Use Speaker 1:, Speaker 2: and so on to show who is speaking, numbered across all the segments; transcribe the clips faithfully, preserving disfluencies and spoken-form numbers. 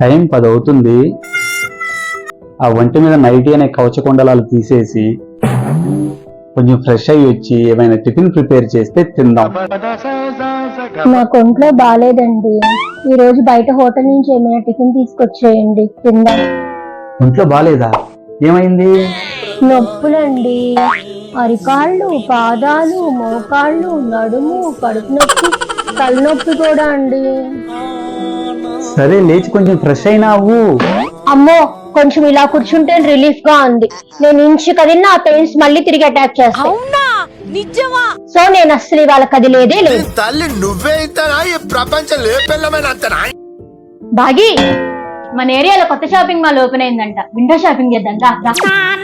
Speaker 1: Time పది అవుతుంది. ఆ ఒంటి మీద నైటీ అనే కవచకుండలాలు తీసేసి కొంచెం ఫ్రెష్ అయ్యి వచ్చి ఏమైనా టిఫిన్ ప్రిపేర్ చేస్తే తిందాం.
Speaker 2: నాకు ఒంట్లో బాగాలేదండి, ఈ రోజు బయట హోటల్ నుంచి ఏమైనా టిఫిన్ తీసుకొచ్చేయండి తిందాం.
Speaker 1: ఒంట్లో బాగాలేదా? ఏమైంది?
Speaker 2: నొప్పులండి, అరికాళ్ళు, పాదాలు, మోకాళ్ళు, నడుము, కడుపు నొప్పి, తలనొప్పి కూడా అండి.
Speaker 1: సరే లేచి కొంచెం ఫ్రెష్ అయినావు.
Speaker 2: అమ్మో, కొంచెం ఇలా కూర్చుంటే రిలీఫ్ గా ఉంది. నేను ఇంచు కదిలినా ఆ పెయిన్స్ మళ్ళీ తిరిగి అటాక్ చేస్తాయి. సో నేను అస్సలు ఇవాళ కదిలేదే లేదు.
Speaker 3: తల్లి నువ్వే ఇంతనా? ఈ ప్రపంచం లేపెళ్ళమైనంతనా?
Speaker 4: బాగి, మన ఏరియాలో కొత్త షాపింగ్ మాల్ ఓపెన్ అయిందంట, విండో షాపింగ్ చేద్దాం రా.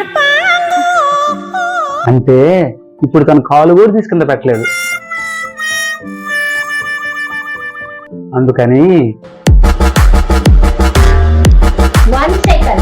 Speaker 1: అంటే ఇప్పుడు తన కాలు కూడా తీసుకుంద పెట్టలేదు, అందుకని
Speaker 2: వన్ సెకండ్.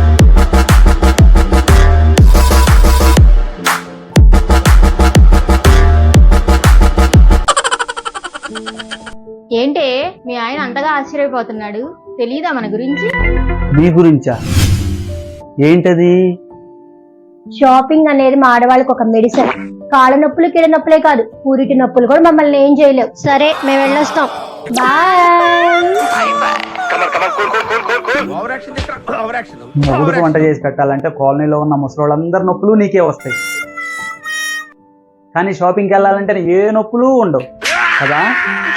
Speaker 4: ఏంటే మీ ఆయన అంతగా ఆశ్చర్యపోతున్నాడు, తెలీదా మన గురించి?
Speaker 1: మీ గురించా? ఏంటది?
Speaker 2: షాపింగ్ అనేది మా ఆడవాళ్ళకి ఒక మెడిసిన్. కాళ్ళ నొప్పులు, కీళ్ళ నొప్పులే కాదు, పూరిటి నొప్పులు కూడా మమ్మల్ని ఏం చేయలేవు. సరే మేము వెళ్ళొస్తాం, బాయ్.
Speaker 1: మొగుడుకు వంట చేసి పెట్టాలంటే కాలనీలో ఉన్న ముసలోళ్ళందరి నొప్పులు నీకే వస్తాయి, కానీ షాపింగ్కి వెళ్ళాలంటే ఏ నొప్పులు ఉండవు కదా.